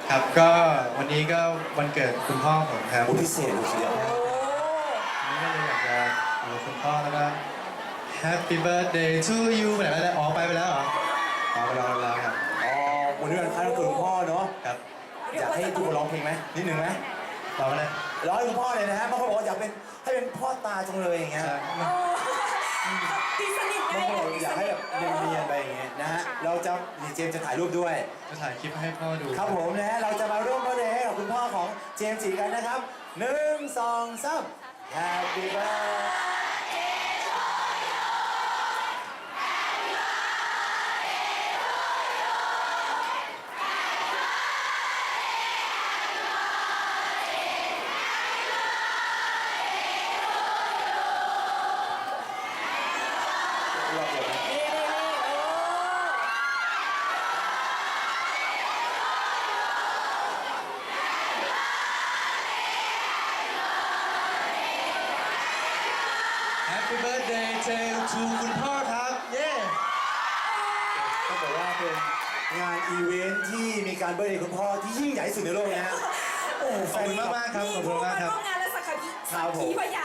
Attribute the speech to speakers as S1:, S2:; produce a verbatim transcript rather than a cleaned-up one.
S1: ครับก็วันนี้ก็วันเกิดคุณพ่อผมครับ
S2: โอ้พิเศษเลยทีเดียว
S1: วันนี้ก็เลยอยากจะอยู่กับคุณพ่อแล้วก็ Happy birthday to you ไปไหนแล้วเนี่ยอ๋อไปไปแล้วเหรออ๋อไปแล้วไปแล้วครับ
S2: อ๋อวันนี้วันคล้ายวันเกิดคุณพ่อเนาะ
S1: ครับ
S2: อยากให้ทุกคนร้องเพลงไหมนิดหนึ่งไหม
S1: ต่อไปเลย
S2: ร้องให้คุณพ่อเลยนะฮะบางคนบอกว่าอยากเป็นให้เป็นพ่อตาจังเลยอย่างเงี้ย
S1: ใช่
S3: ตีสนิท
S2: บาง
S3: ได้
S2: คนบอกอยากให้แบบเนียนๆไปอย่างเงี้ยนะฮะเราจะดีเจมส์จะถ่ายรูปด้วย
S1: จะถ่ายคลิปให้พ่อดู
S2: ครับผมนะฮะเราจะมาร่วมเบอร์เดย์ให้กับคุณพ่อของเจมส์จีกันนะครับหนึ่งสองสาม Happy birthdayรอบเดียวนะ
S3: นี่นี่นี่โอ้
S1: แฮปปี้เบิร์ดเดย์ทูคุณพ่อครับ เย้
S2: ต้องบอกว่าเป็นงานอีเวนท์ที่มีการเบอร์เดย์คุณพ่อที่ยิ่งใหญ่ที่สุดในโลกนะฮะโอ้โห
S1: ขอบคุณมากๆครับ ขอบคุณมากครับ
S3: ร่วมงานและสักขี
S2: ครับผม
S3: ขีพยาน